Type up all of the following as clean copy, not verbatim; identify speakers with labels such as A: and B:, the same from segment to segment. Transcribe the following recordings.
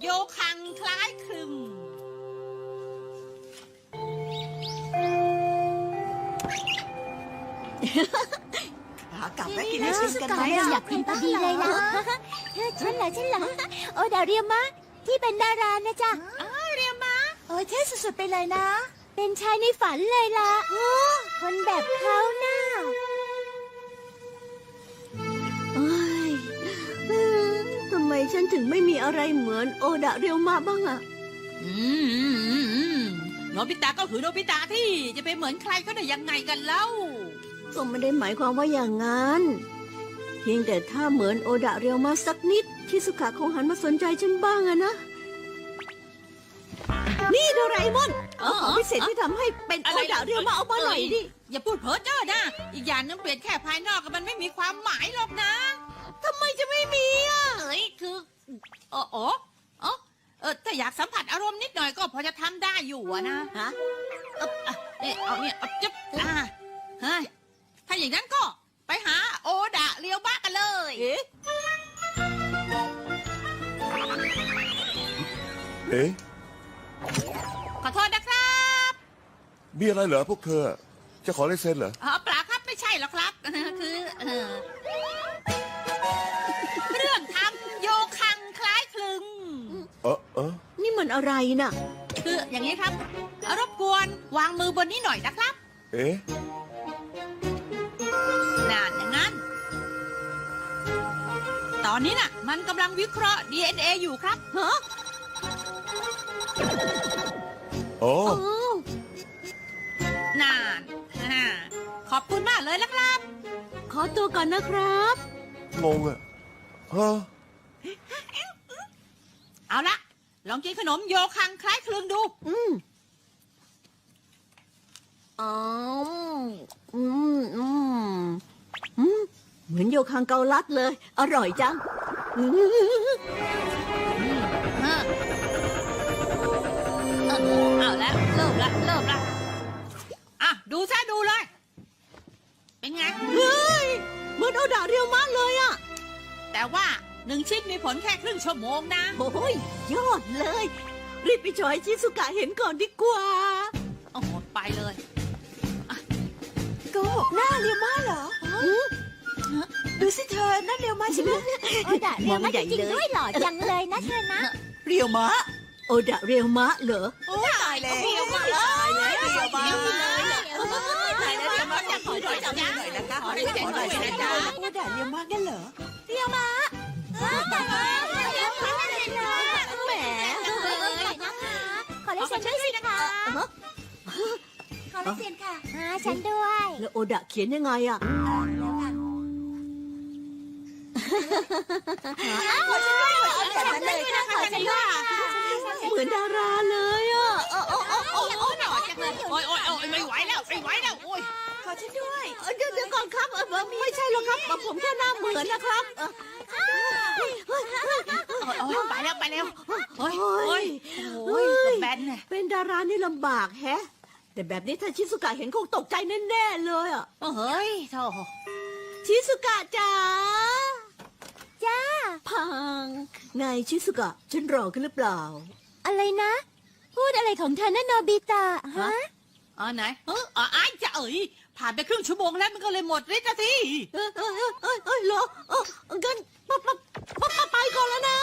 A: โยคังคล้ายคลึง
B: ขากลับแล้วกินไอติมกันไหม
C: อยากกินพอดีเลยล่ะฉันเหรอโอดาเรียมะที่เป็นดารานะจ๊ะเรียมะ
B: โอ้ยเท่สุดๆไปเลยนะ
C: เป็นชายในฝันเลยล่ะคนแบบเขาน่ะ
D: ทำไมฉันถึงไม่มีอะไรเหมือนโอดะเรียวมาบ้างอะ
A: โนบิตะก็คือโนบิตะที่จะไปเหมือนใครก็ได้ยังไงกันเล่า
D: ก็ไม่ได้หมายความว่าอย่างนั้น เพียงแต่ถ้าเหมือนโอดะเรียวมาสักนิดชิสุกะคงหันมาสนใจฉันบ้างอะนะ นี่โดราเอมอนเอาของพิเศษที่ทำให้เป็นโอดะเรียวมาเอามาหน่อยดิ
A: อย่าพูดเพ้อเจ้อนะอีกอย่างนึงเปลี่ยนแค่ภายนอกก็มันไม่มีความหมายหรอกนะ
D: ทำไมจะไม่มีอ่ะ
A: คือถ้าอยากสัมผัสอารมณ์นิดหน่อยก็พอจะทำได้อยู่อะนะ
D: ฮะ
A: เอาจึ๊บเฮ้ยถ้าอย่างนั้นก็ไปหาโอดะเรียวบ้ากันเลย
D: เอ๊ะ
E: เอ๊ะ
A: ขอโทษนะครับ
E: มีอะไรเหรอพวกเธอ จะขอลายเซ็นเหรอ
A: เปล่าครับไม่ใช่หรอกครับ คือเรื่องทำโยคังคล้ายคลึง
D: นี่มันอะไรน่ะ
A: คืออย่างนี้ครับรบกวนวางมือบนนี้หน่อยนะครับ
E: เอ๊ะ
A: น่าอย่างนั้น ตอนนี้น่ะ มันกำลังวิเคราะห์ DNA อยู่ครับ
D: ฮะ
E: อ๋อ
D: อ๋อ
A: น่าน ขอบคุณมากเลยนะครับ
D: ขอตัวก่อนนะครับ
E: งงอะฮะ
A: เอาละลองกินขนมโยคังคล้ายคลึงดู
D: อ๋อเหมือนโยคังเกาลัดเลย อร่อยจัง
A: เอาแล้วเริ่มละอ่ะดูซะดูเลย เป็นไง
D: เฮ้ยเหมือนโอดะเรียวมากเลยอ่ะ
A: แต่ว่า1 ชิ้นมีผลแค่ครึ่งชั่วโมงนะ
D: โอ้ยยอดเลย รีบไปจอยชิสุกะเห็นก่อนดีกว่า
A: โอ้โหไปเลย
B: โกหกหน้าเรียวมาเหรอดูสิเธอนั่นเรียวมาใช่ไหม
C: โอดาเรียมะจริงๆด้วยหล่อจังเลยนะเธอนะ
B: เรียวมะ
D: โอดะเรียวมะเหรอ
B: โอ้ตายแล้ว
A: เรียวมะ
B: ตายแล้วเรียวมะ
A: ตายแล้วเรียวมะจะขอหน่อยนะ
B: หน่อยนะคะ
A: ขอหน่อยนะจ๊ะ
B: โอ้ด่าเรียวมะกันเหรอ
C: เรียมะแต่ว่าเรียมะเลยนะ
D: แหม
C: ขอลายเซ็นด้วยสิคะขอลายเซ็นค่ะฉันด้วย
D: แล้วโอดะเขียนยังไงอ่ะ
B: แบบนั้นเลยค่ะ
C: ขอฉันด้วย
D: เหมือนดาราเลยอ่ะ
A: โอ้ยไม่ไหวแล้วโอ้ย
B: ขอฉันด้วย
D: เดี๋ยวก่อนครับไม่ใช่หรอกครับผมแค่หน้าเหมือนนะครับ
A: ไปแล้วโอ้ยแบนเนี่ย
D: เป็นดารานี่ลำบากแฮะ แต่แบบนี้ถ้าชิสุกะเห็นคงตกใจแน่ๆเลยอ่ะ
A: เฮ้ยโธ่
D: ชิสุกะจ๋า
C: จ้า
D: พังไงชิสุกะฉันรอขึ้นหรือเปล่า
C: อะไรนะ พูดอะไรของเธอนะโนบิตะฮะ
A: ไหนไอ้จะผ่านไปครึ่งชั่วโมงแล้วมันก็เลยหมดฤทธิ์นะสิ
D: เหรองั้นไปก่อนแล้วนะ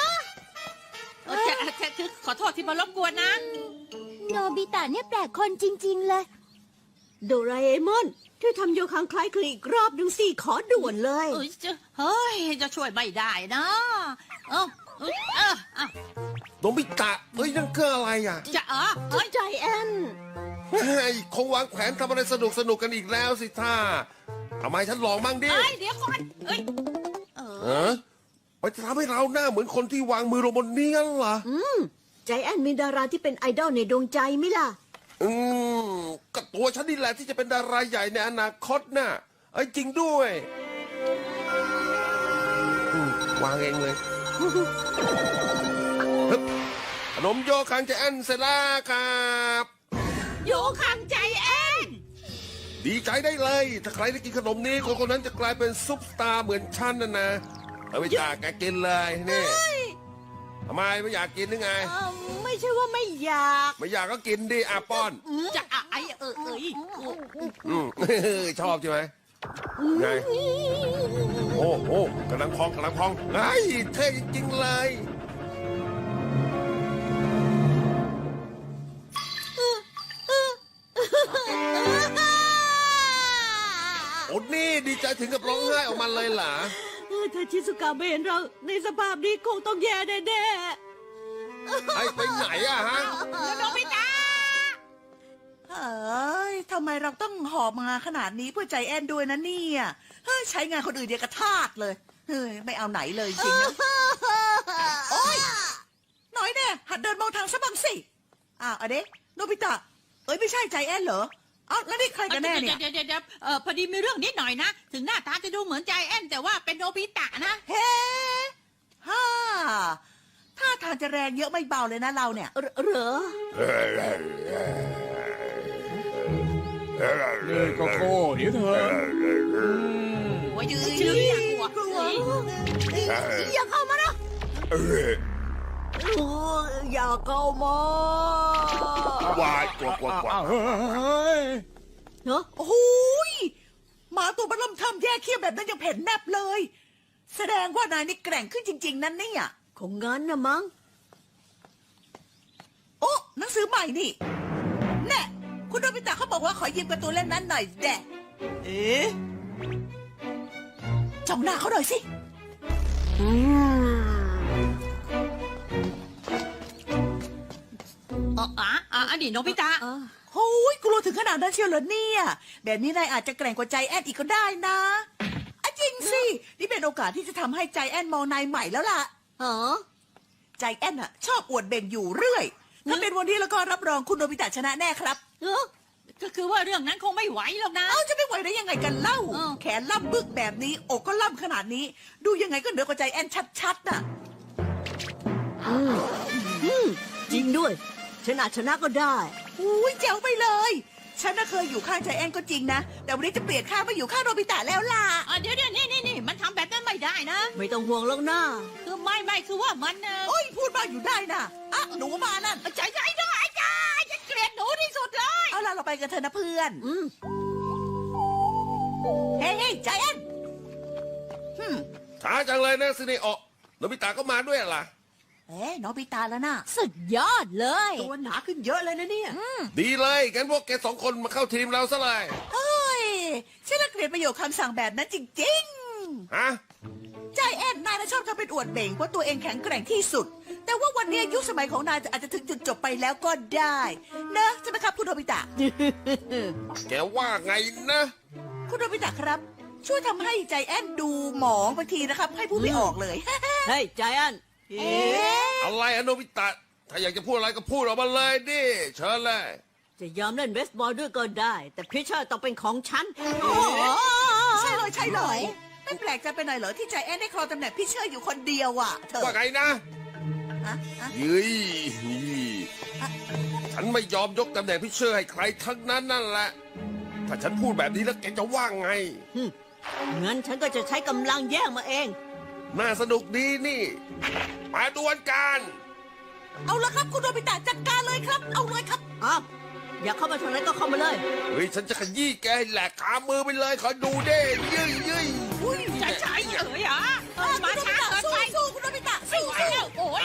A: คือขอโทษที่มารบกวนนะ
C: โนบิตะเนี่ยแปลกคนจริงๆเลย
D: โดราเอมอนช่วยทำโยคังคล้ายคลึงอีกรอบหนึ่งสิขอด่วนเลย
A: จะช่วยไม่ได้นะเออ
E: โนบิตะเฮ้ยนั่นคืออะไรอ่ะ
A: จะ
D: ใจแอน
E: เฮ้ยคงวางแผนทำอะไรสนุกกันอีกแล้วสิท่าทำไมฉันลองบ้างดิ
A: เดี๋ยวก่อน
E: มันจะทำให้เราหน้าเหมือนคนที่วางมือลงบนนี้งั้นเหรอ
D: ใจแอนมีดาราที่เป็นไอดอลในดวงใจไหมล่ะ
E: ก็ตัวฉันนี่แหละที่จะเป็นดาราใหญ่ในอนาคตน่ะจริงด้วยวางเองเลยฮึบขนมโยคังใจแอนเสร็จแล้วครับ
A: โยคังใจแอน
E: ดีใจได้เลย ถ้าใครได้กินขนมนี้คนนั้นจะกลายเป็นซุปตาร์เหมือนฉันนะเอาไปจากแกกินเลยนี่ทำไมไม่อยากกินหรือไง
B: ไม่ใช่ว่าไม่อยาก
E: ไม่อยากก็กินดิป้อน
A: จะไอ้เอ้ย
E: อืม ชอบใช่ไหมไงโอ้โหกำลังพองไอ้ยเท่จริงๆเลยโอ้นี่ดีใจถึงกับร้องไห้ออกมาเลยเหรอ
D: ถ้าชิสุกะไม่เห็นเราในสภาพนี้คงต้องแย่แน่
E: ไอ้ไปไหนอะฮะ
A: โนบิตะ
B: เฮ้ยทำไมเราต้องหอบมาขนาดนี้เพื่อใจแอนด้วยนะเนี่ยเฮ้ยใช้งานคนอื่นเดียวกระทาดเลยเฮ้ยไม่เอาไหนเลยจริงนะโอ๊ยน้อยแน่หัดเดินมองทางซะบ้างสิเอาเด็กโนบิตะเอ้ยไม่ใช่ใจแอนเหรอเอ้าแล้วนี่ใครกันแน่เนี่ย
A: เดี๋ยวพอดีมีเรื่องนิดหน่อยนะ ถึงหน้าตาจะดูเหมือนใจแอนแต่ว่าเป็นโนบิตะนะ
B: เฮ้ฮ่าถ้าทางจะแรงเยอะไม่เบาเลยนะเราเนี่ย
D: ๆเหรอ
F: เลยก็โก้เดี๋ยวเถอะ
A: หัวยืนชื่อน่ากลัว
D: อย่าเข้ามานะอย่าเข้ามาว
E: ายกว่า
F: อ้าวเฮ้ย
D: เนาะ
B: โอ้โหยหมาตัวบัลลัมทำแย่เขี้ยวแบบนั้นยังเผ็ดแนบเลย แสดงว่านายนี่แกร่งขึ้นจริง ๆ นั่นเนี่ย
D: คงงั้นนะมั้ง
B: โอ้หนังสือใหม่นี่แน่คุณโนบิตะเขาบอกว่าขอยืมการ์ตูนเล่มนั้นหน่อยแดะเอ๊ะจ้องหน้าเขาหน่อยสิ
A: อดีตโนบิตะ
B: โอ้ยกลัวถึงขนาดนั้นเชียวเหรอเนี่ย แบบนี้นายอาจจะแกร่งกว่าใจแอนอีกก็ได้นะอะจริงสิ นี่เป็นโอกาสที่จะทำให้ใจแอนมองนายใหม่แล้วล่ะ
D: เหรอ
B: ใจแอนอะชอบอวดเบ่งอยู่เรื่อย ถ้าเป็นวันนี้แล้วก็รับรองคุณโนบิตะชนะแน่ครับ
D: เออ
A: ก็คือว่าเรื่องนั้นคงไม่ไหวหรอกนะ
B: เอ้าจะไม่ไหวได้ยังไงกันเล่า
A: อ้าว
B: แขนล่ำบึกแบบนี้ อกก็ล่ำขนาดนี้ ดูยังไงก็เหนือกว่าใจแอนชัดๆน่ะ
D: จริงด้วยชนะก็ได้
B: อุ้ยเจ๋วไปเลย ฉันน่ะเคยอยู่ข้างใจแอนก็จริงนะ แต่วันนี้จะเปลี่ยนข้างมาอยู่ข้างโนบิตะแล้วล่ะ
A: เดี๋ยวนี่มันทำแบบนั้นไม่ได้นะ
D: ไม่ต้องห่วงหรอกนะ
A: คือไม่คือว่ามัน
B: โอ้ยพูดมาอยู่ได้นะอ่ะหนูมานั่น
A: ใจด้วยจ้าฉันเกลียดหนูที่สุดเลย
B: เอาล่ะเราไปกันเถอะนะเพื่อน
D: อืม
B: เฮ้ยใจแอน
E: ช้าจังเลยนะซินิโอะโนบิตะก็มาด้วยเหรอ
B: เอ๊ะโนบิตะแล้วนะ
C: สุดยอดเลย
D: ตัวหนาขึ้นเยอะเลยนะเนี่ย
E: ดีเลยงั้นพวกแกสองคนมาเข้าทีมเราซะเลย
B: เฮ้ยฉันน่ะเกลียดประโยคคำสั่งแบบนั้นจริง
E: ฮะ
B: ๆ ใจแอนนายน่ะชอบทำเป็นอวดเบ่งว่าตัวเองแข็งแกร่งที่สุด แต่ว่าวันนี้ยุคสมัยของนายอาจจะถึงจุดจบไปแล้วก็ได้เนอะใช่ไหมครับคุณโนบิตะ
E: แกว่าไงนะ
B: คุณโนบิตะครับ ช่วยทำให้ใจแอนดูหมองบางทีนะครับ ให้พูดไม่ออกเลย
D: เฮ้ยใจแอน
E: อะไรอะโนบิตะ ถ้าอยากจะพูดอะไรก็พูดออกมาเลยดิเชิญเลย
D: จะยอมเล่นเบสบอลด้วยก็ได้ แต่พิชเชอร์ต้องเป็นของฉัน
B: ใช่เลยไม่แปลกใจไปหน่อยเหรอที่ใจแอนได้ครองตำแหน่งพิชเชอร์อยู่คนเดียวอ่ะเธอ
E: ว่าไงนะ
B: ฮะ
E: ยืยฉันไม่ยอมยกตำแหน่งพิเชอร์ให้ใครทั้งนั้นนั่นแหละ ถ้าฉันพูดแบบนี้แล้วแกจะว่าไง
D: งั้นฉันก็จะใช้กำลังแย่งมาเอง
E: น่าสนุกดีนี่ มาดวลกัน
B: เอาละครับคุณโนบิตะจัดการเลยครับ เอาเลยครับ
D: อ้าวอยากเข้ามาทางไหนก็เข้ามาเลย
E: เฮ้ย ฉันจะขยี้แกให้แหลกขามือไปเลยขอดูเด้ยืย
B: อุ้ย
A: ใจมาช้าเกินไป
B: สู้คุณโนบิตะ
A: ไม่
B: สู้
A: ไหวแล้วโอ้ย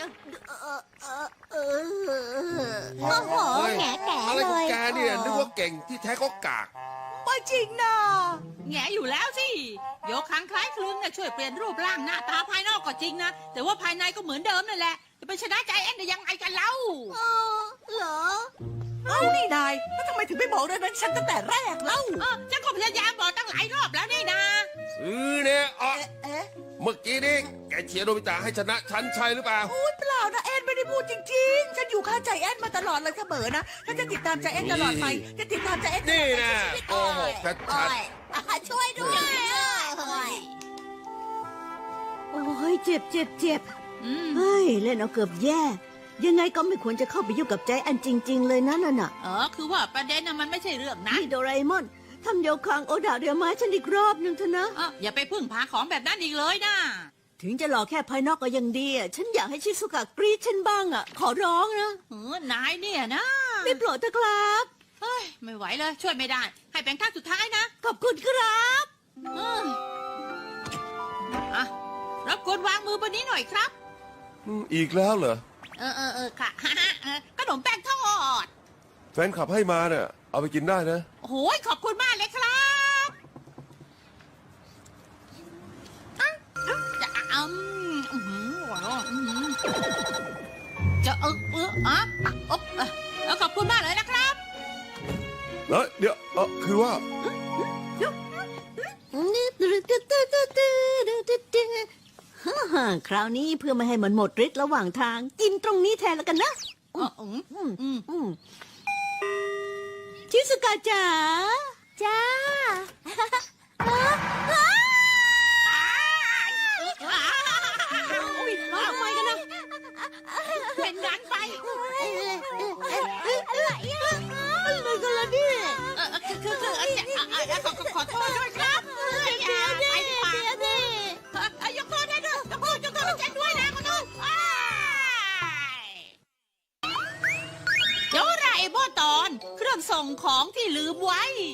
C: โอ้โห
E: เฮ้ย
C: แง่แก่
E: อะไร
C: เล
E: ของ
C: ย
E: แกเนี่ยนึกว่าเก่งที่แท้ก็กาก
B: ไม่จริงนะ
A: แงอยู่แล้วสิโยคังคล้ายคลึงช่วยเปลี่ยนรูปร่างหน้าตาภายนอกก็จริงนะ แต่ว่าภายในก็เหมือนเดิมนั่นแหละ จะไปชนะใจแอนได้ยังไงกันเล่า
C: เหรอ
B: เอานี่นายแล้วทำไมถึงไม่บอกเรื่องนั้นฉันตั้งแต่แรกเล่า
A: ฉันก็พยายามบอกตั้งหลายรอบแล้วนี่นะ
E: เนี่ยอ๋อ
B: เอ๊ะ
E: เมื่อกี้นี่แกเชียร์โนบิตะให้ชนะฉันใช่หรือเปล่า
B: โอ้ยเปล่านะแอนไม่ได้พูดจริงๆ ฉันอยู่ข้างใจแอนมาตลอดเลยเสมอนะฉันจะติดตามใจแอนตลอดไปจะติดตามใจแอน
E: นี่นะโกหกชัด
B: ช่วยด้วย
D: โอ้ยเจ็บ
A: อืม
D: เฮ้ยเล่นเอาเกือบแย่ ยังไงก็ไม่ควรจะเข้าไปยุ่งกับใจแอนจริง ๆ เลยนะนั่นน่ะ
A: คือว่าประเด็นน่ะมันไม่ใช่เรื่องนั้น
D: นี่โดราเอมอนทำโยคังโอดาเรียมาให้ฉันอีกรอบหนึ่งเถอะนะ
A: อย่าไปพึ่งพาของแบบนั้นอีกเลยนะ
D: ถึถึงจะหล่อแค่ภายนอกก็ยังดีอ่ะฉันอยากให้ชิซุกะกรี๊ดฉันบ้างอ่ะ ขอร้องนะ
A: นายเนี่ยนะ
D: ได้โปรดเถอะครับ
A: เฮ้ยไม่ไหวเลยช่วยไม่ได้ ให้เป็นครั้งสุดท้ายนะ
D: ขอบคุณครับ
A: เอ้ยอ่ะรบกวนวางมือบนนี้หน่อยครับ
E: อีกแล้วเหรอ
A: ค่ะ ขนมแป้งทอด
E: แฟนขับให้มาเนี่ยเอาไปกินได้นะ
A: โอ้โหขอบคุณมากเลยครับจะจะขอบคุณมากเลยนะครับ
E: เดี๋ยวคือว่า
D: คราวนี้เพื่อไม่ให้มันหมดฤทธิ์ระหว่างทาง กินตรงนี้แทนแล้วกันนะชิสุกะจ๋า
C: จ้า
D: ร้องทำไมกันนะ
A: เป็นงานไป
C: อะไรอ่ะ
D: อะไรกันล่ะเนี่ย
A: ขอโทษด้วยครับไปดีกว่ายกโทษให้ด้วยยกโทษให้ฉันด้วยนะคุณนุ่นโจราเอโบตอน เครื่องส่งของที่ลืมไว้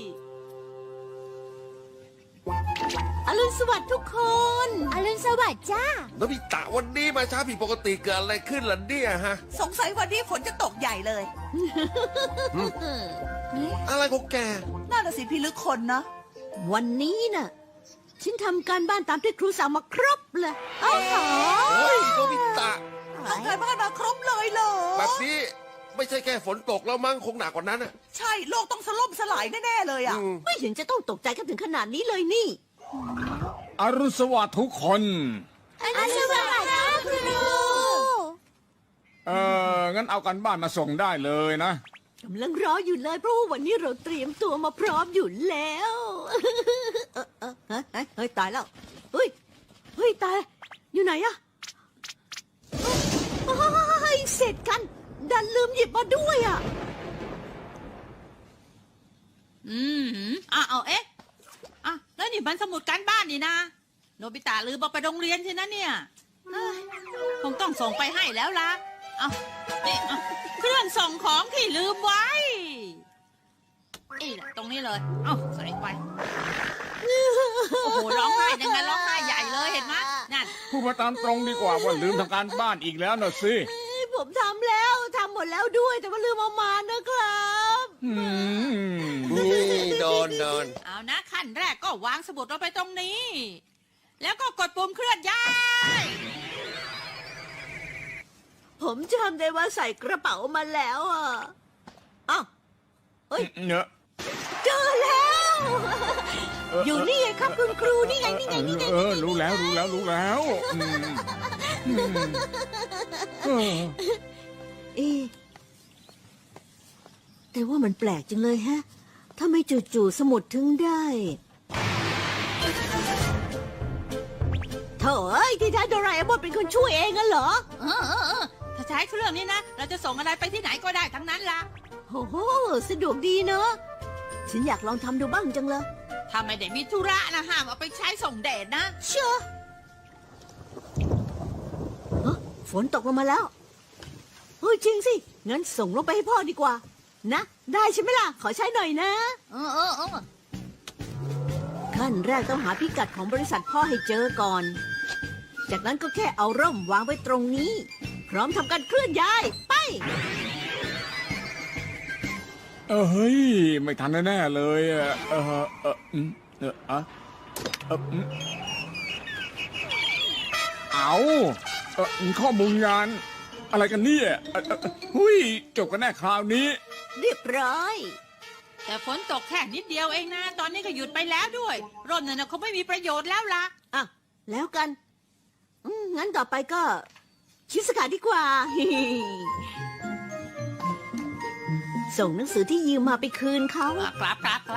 D: อรุณสวัสดิ์ทุกคน
C: อรุณสวัสดิ์จ้า
E: โนบิตะวันนี้มาช้าผิดปกติเกิดอะไรขึ้นล่ะเนี่ยฮะ
B: สงสัยวันนี้ฝนจะตกใหญ่เลย
E: อะไรของแก
B: น่าจะสิพี่ลึกคนเนาะ
D: วันนี้น่ะ ฉันทำการบ้านตามที่ครูสั่งมาครบเลย
B: โอ้โห
E: เฮ้ยโนบิตะ
B: ทำการบ้านมาครบเลยเหรอ
E: แบบนี้ไม่ใช่แค่ฝนตกแล้วมั้งคงหนักกว่านั้นอ่ะ
B: ใช่โลกต้องสล่มสลายแน่ๆเลยอ่ะ
D: ไม่เห็นจะต้องตกใจกันถึงขนาดนี้เลยนี่
F: อรุณสวัสดิ์ทุกคน
C: อรุณสวัสดิ์จ้าครู
F: งั้นเอากันบ้านมาส่งได้เลยนะ
D: กำลังรออยู่เลยเพราะว่าวันนี้เราเตรียมตัวมาพร้อมอยู่แล้ว เฮ้ยตายแล้ว เฮ้ยตาย อยู่ไหนอะเฮ้ยเสร็จกัน ดันลืมหยิบมาด้วยอะ
A: เอาเอ๊ะแล้วนี่มันสมุดการบ้านนี่นะโนบิตะลืมเอาไปโรงเรียนใช่นะเนี่ยคงต้องส่งไปให้แล้วล่ะเอานี่เครื่องส่งของที่ลืมไว้นี่แหละตรงนี้เลยเอาใส่ไปโอ้โหร้องไห้ยังไงร้องไห้ใหญ่เลยเห็นไหมนั่น
F: พูดมาตามตรงดีกว่าว่าลืมทำการบ้านอีกแล้วน่ะสิ
D: ผมทำแล้วทำหมดแล้วด้วย แต่ว่าลืมเอามานะครับ
E: โดน
A: เอานะขั้นแรกก็วางสมุดลงไปตรงนี้ แล้วก็กดปุ่มเคลื่อนย้าย
D: ผมจำได้ว่าใส่กระเป๋ามาแล้วอ่ะอ้าวเฮ้ย
F: เนอะ
D: เจอแล้ว อยู่นี่ไงครับคุณครูนี่ไง
F: รู้แล้วเออ
D: แต่ว่ามันแปลกจังเลยฮะทำไมจู่ๆสมุดถึงได้โถ่เอ้ยที่แท้โดราเอมอนเป็นคนช่วยเองอะเหรอ
A: ถ้าใช้เครื่องนี้นะ เราจะส่งอะไรไปที่ไหนก็ได้ทั้งนั้นล่ะ
D: โอ้โหสะดวกดีเนอะฉันอยากลองทำดูบ้างจังเลย
A: ถ้าไม่ได้มีธุระนะห้ามเอาไปใช้ส่งเดชนะ
D: เชื่อฝนตกลงมาแล้วเฮ้ยจริงสิ งั้นส่งลงไปให้พ่อดีกว่า นะ ได้ใช่ไหมล่ะ ขอใช้หน่อยนะ ขั้นแรกต้องหาพิกัดของบริษัทพ่อให้เจอก่อน จากนั้นก็แค่เอาร่มวางไว้ตรงนี้ พร้อมทำการเคลื่อนย้าย ไป
F: เฮ้ย ไม่ทันแน่ๆเลยเอาข้อมูลงาน อะไรกันเนี่ยหุยจบกันแน่คราวนี้
D: เรียบร้อย
A: แต่ฝนตกแค่นิดเดียวเองนะ ตอนนี้ก็หยุดไปแล้วด้วย ร่มเนี่ยนะเขาไม่มีประโยชน์แล้วล่ะ
D: อ่ะ แล้วกัน งั้นต่อไปก็ ชิสกะดีกว่า ส่งหนังสือที่ยืมมาไปคืนเขา
A: ครับ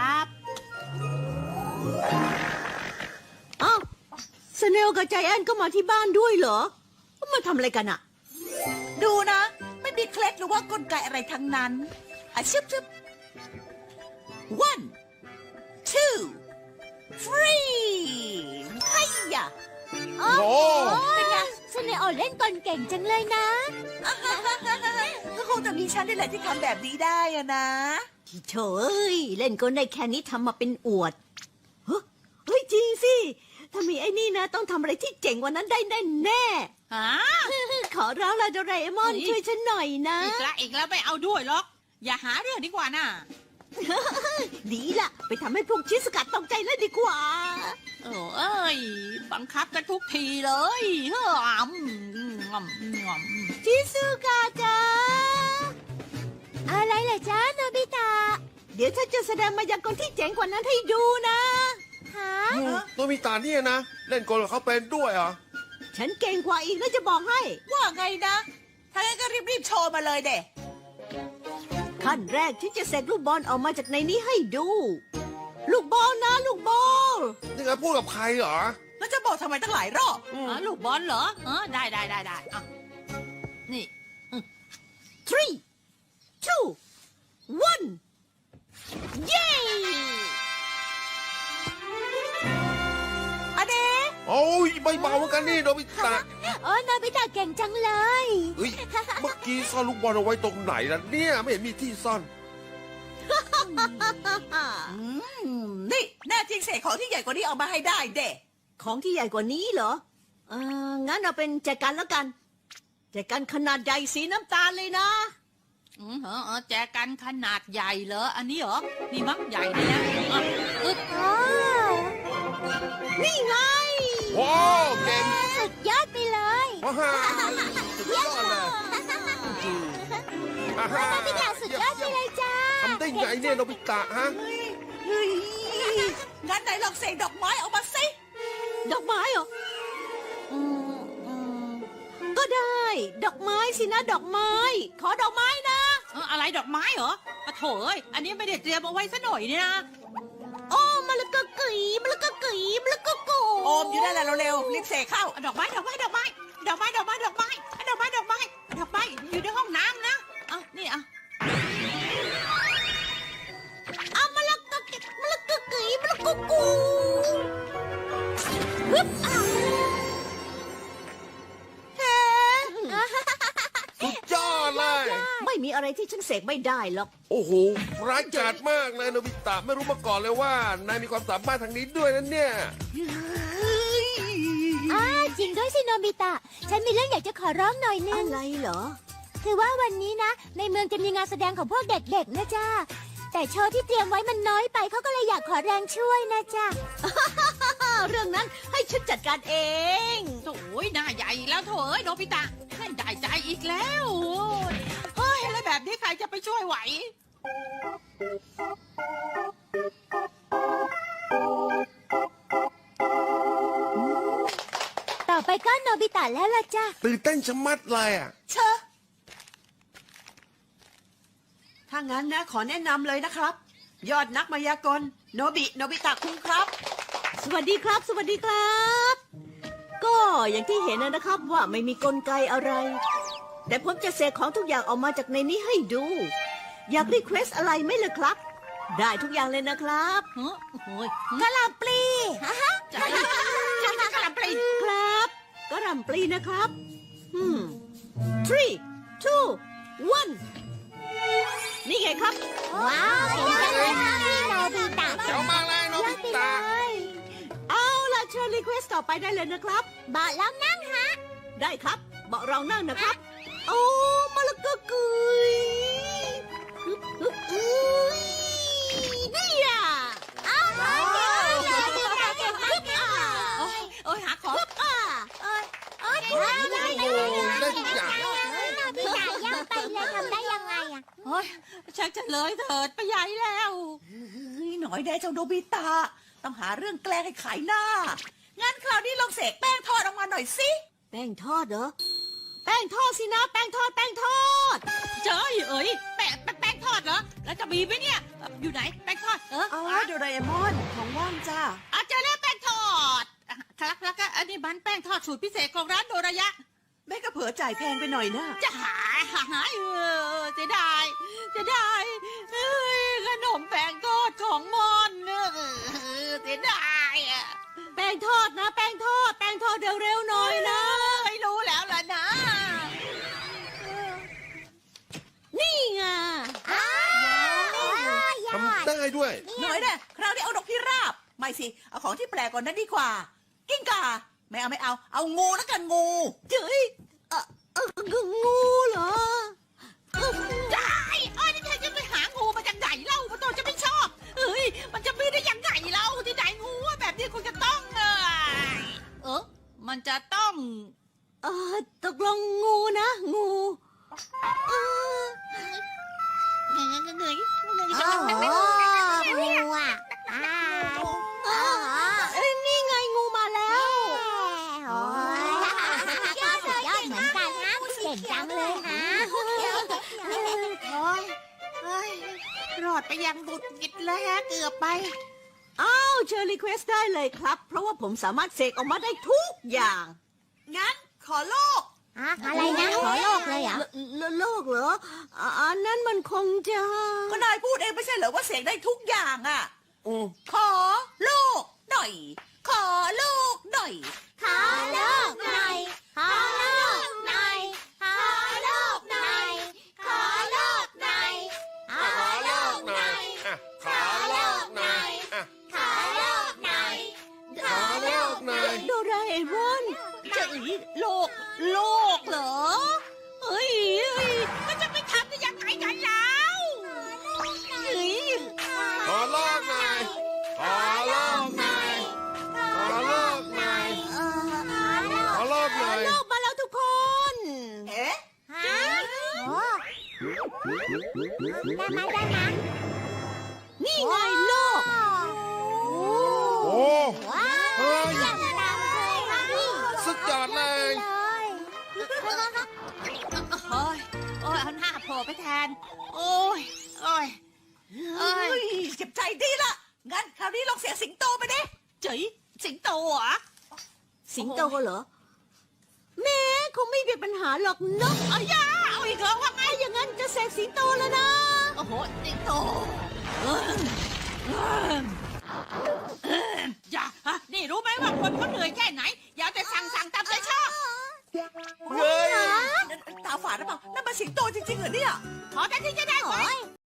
D: อ้าวสเนลกับใจแอนก็มาที่บ้านด้วยเหรอ มาทำอะไรกันอะ
B: ดูนะ ไม่มีเคล็ดหรือว่ากลไกอะไรทั้งนั้นชึบ 1 2 3 ไฮยะ
E: โอ้โห
C: เป็นไงซันเนโอเล่นกลเก่งจังเลยนะ
B: ก็คงจะมีฉันนี่แหละที่ทำแบบนี้ได้อะนะ
D: ที่เฉยเล่นกลได้แค่นี้ทำมาเป็นอวดเฮ้ยจริงสิ ถ้ามีไอ้นี่นะ ต้องทำอะไรที่เจ๋งกว่านั้นได้แน่
A: ฮะ
D: ๆขอร้องละโดราเอมอนช่วยฉันหน่อยนะ
A: อีกแล้วไม่เอาด้วยหรอก อย่าหาเรื่องดีกว่าน่ะ
D: ดีละไปทำให้พวกชิสกัดตกใจเลยดีกว่า
A: โอ้เอ้ย บังคับกันทุกทีเลยเฮ้อ
D: ชิสุกะจ้า
C: อะไรเหรอจ๊ะโนบิตะ
D: เดี๋ยวฉันจะแสดงมายากลที่เจ๋งกว่านั้นให้ดูนะ
C: ฮะ
E: โนบิตะเนี่ยนะ เล่นกลกับเขาเป็นด้วยเหรอ
D: ฉันเก่งกว่าอีกนะจะบอกให้
B: ว่าไงนะ ถ้างั้นก็รีบๆโชว์มาเลยเด็
D: ขั้นแรกที่จะเสกลูกบอลออกมาจากในนี้ให้ดู ลูกบอลนะลูกบอล
E: นี่ไงพูดกับใครเหรอ
B: แล้วจะบอกทำไมตั้งหลายรอบ
A: ลูกบอลเหรอได้อ่ะนี่
D: 3 2 1 เย้
B: อเด
E: โอ้ยไม่เบาเหมือนกันนี่โนบิตะ
C: โอ้โนบิตะเก่งจังเลย
E: เฮ้ย เมื่อกี้ซ่อนลูกบอลเอาไว้ตรงไหนล่ะเนี่ย ไม่เห็นมีที่ซ่อน
B: นี่แน่จริงเสกของที่ใหญ่กว่านี้เอามาให้ได้เด็
D: ของที่ใหญ่กว่านี้เหรองั้นเอาเป็นแจกันแล้วกันแจกันขนาดใหญ่สีน้ำตาลเลยนะ
A: แจกันขนาดใหญ่เหรอ อันนี้เหรอ นี่มั้งใหญ่เลยนะอึ๊บ
C: อ๋อ
D: นี่ไง
E: ว้าว เก่ง
C: สุดยอดไปเลย
E: ว้าวสุดยอดเลยอ่าฮะ
C: โนบิตะสุดยอดไปเลยจ้า
E: ทำได้ไงเนี่ยโนบิตะฮะ
B: เฮ้ยงั้นไหนลองเสกดอกไม้ออกมาสิ
D: ดอกไม้เหรออืมก็ได้ ดอกไม้สินะดอกไม้ ขอดอกไม้นะ
A: อะไรดอกไม้เหรอปะโถเอ้ย อันนี้ไม่ได้เตรียมเอาไว้ซะหน่อยเนี่ยนะ
D: โอ้มะละกอกุ๋ยมะละกอกุ๋ยมะละกอกุ
B: โอมอยู่นั่นแหละเร็วๆรีบเสกเข้า
A: ดอกไม้อยู่ในห้องน้ำนะนี่อ่ะ
D: เอามะละกอกุ๋ยมะละกอกุ๋ยมะละกอกุฮึบเฮ้
E: สุดยอดเลย
D: ไม่มีอะไรที่ฉันเสกไม่ได้หรอก
E: โอ้โห ร้ายกาจมากเลยโนบิตะ ไม่รู้มาก่อนเลยว่านายมีความสามารถทางนี้ด้วยนะเนี่ย
C: จริงด้วยสิโนบิตะ ฉันมีเรื่องอยากจะขอร้องหน่อยนึ
D: อะ
C: ง
D: ไรเหรอ
C: คือว่าวันนี้นะ ในเมืองจะมีงานแสดงของพวกเด็กๆนะจ้าแต่โชว์ที่เตรียมไว้มันน้อยไปเขาก็เลยอยากขอแรงช่วยนะจ้า
D: เรื่องนั้นให้ฉันจัดการเอง
A: โถ่หน้าใหญ่แล้วโถ่เอ้ยโนบิตะให้ได้ใจอีกแล้วเฮ้ยอะไรแบบนี้ใครจะไปช่วยไหว
C: ต่อไปก็โนบิตะแล้วล่ะจ้า
E: ตื่นเต้นชะมัดเลยอ่ะ
B: เชอะ
G: ถ้างั้นนะขอแนะนำเลยนะครับ ยอดนักมายากลโนบิตะคุงครับ
D: สวัสดีครับ สวัสดีครับ ก็อย่างที่เห็นนะครับว่าไม่มีกลไกอะไร แต่ผมจะเสกของทุกอย่างออกมาจากในนี้ให้ดู อยากรีเควสอะไรไหมล่ะครับ ได้ทุกอย่างเลยนะครับ
A: เฮ้ยโอ้ย
D: กะหล่ำปลี
A: จะกระปรี
D: ครับกะหล่ำปลีนะครับ3 2 1นี่ไงครับ
C: ว้าวเก่งจังเลยโนบิตะ
E: เจ๋วมากเลยโนบิตะ
D: เอาล่ะเชิญรีเควสต่อไปได้เลยนะครับ
C: บอกแล้วนั่งฮะ
D: ได้ครับเบาะรองนั่งนะครับ โอ้มะละกอกุยนี่อ่ะ
C: อ้าวโนบิตะเก่งมากเลย
A: โอ้ยหาของ
C: โอ้ยได้
E: โอ้ได้ทุกอย่าง
C: โนบิตะยังไปเลยทำได้ยังไงอะ
A: โอ้ยชักจะเลยเถิดไปใหญ่แล้ว
B: เฮ้ยหน่อยแน่เจ้าโนบิตะ ต้องหาเรื่องแกล้งให้ขายหน้า งั้นคราวนี้ลองเสกแป้งทอดออกมาหน่อยสิ
D: แป้งทอดเหรอ แป้งทอดสินะ แป้งทอด แป้งทอด
A: เจ้ยเอ้ยแป้งทอดเหรอ แล้วจะมีไหมเนี่ย อยู่ไหนแป้งทอด
G: อ๋อโดราเอมอนของว่างจ้า
A: เจอแล้วแป้งทอดครับแล้วก็อันนี้มันแป้งทอดสูตรพิเศษของร้านโดรายะ
G: แม่ก็เผลอจ่ายแพงไปหน่อยนะ
A: จะหายเสียดายเอ้ยขนมแป้งทอดของมอนเสียดายอ่ะ
D: แป้งงทอดนะ แป้งทอดเร็วๆหน่อยนะ
A: ไม่รู้แล้วล่ะนะ
D: นี่ไง
E: ทำได้ด้วย
B: หน่อยเนี่ยคราวนี้เอานกพิราบ ไม่สิ เอาของที่แปลกกว่านั้นดีกว่า กิ้งก่า ไม่เอา เอางูแล้วกันงู
D: เจ้ยงูเหรอ
A: ได้นี่เธอจะไปหางูมาจากไหนเล่ามันตัวจะไม่ชอบเอ้ยมันจะมีได้ยังไงเล่าที่ไหนงูอะแบบนี้คงจะต้องมันจะต้อง
D: ตกลงงูนะงูเออ
C: งูอ่ะ
D: นี่ไงงูมาแล้ว
C: ยอดเหมือนกันนะเก่งจังเลยฮะ
A: รอดไปยังบุดกิดแล้วฮะเกือบไป
D: อ้าวเชิญรีเควสได้เลยครับ เพราะว่าผมสามารถเสกออกมาได้ทุกอย่าง
G: งั้นขอโลก
C: อะไรนะขอโลกเลยเหรอ
D: โลกเหรออันนั้นมันคงจะ
B: ก็นายพูดเองไม่ใช่เหรอว่าเสกได้ทุกอย่างอ่ะ
E: อืม
B: ขอลูกหน่อย ขอลูกหน่อย
C: ขอโลกหน่อยขอโลกหน่อยขอโลกหน่อยขอโลกหน่อยขอโลกหน่อย
E: อ่ะ
C: ขอโลกหน่อย
E: อ่ะ
C: ขอโลกหน่อย
E: ขอโลกหน่อย
D: โดราเอมอน
A: จะโลกเหรอเฮ้ยมันจะไปทำได้ยังไงกันแล้วเฮ้ย
E: ขอโลกหน่อย ขอโลกหน่อย ขอโลกหน่อย ขอโลกหน่อย
D: โลกมาแล้วทุกคน
G: เอ๊ะ
C: ฮะโอ้ได้ไหม
D: นี่ไงโลก
E: โอ้
C: ว้าว
E: เฮ้ย
C: ยังดังเลยค่ะพี่
E: สุดยอดเลย
A: โอ้ยเอาหน้าโผล่ไปแทน โอ้ย
B: เอ้ยเจ็บใจดีละ งั้นคราวนี้ลองเสียงสิงโตไปดิ
A: เจ๋ยสิงโตเหรอ
D: สิงโตเหรอแม่คงไม่มีปัญหาหรอกเนาะ
A: เอาย่าเอาอีกเหรอว่าไง
D: ถ้าอย่างนั้นจะเสกสิงโตแล้วนะ
A: โอ้โหสิงโตอย่านี่รู้ไหมว่าคนเขาเหนื่อยแค่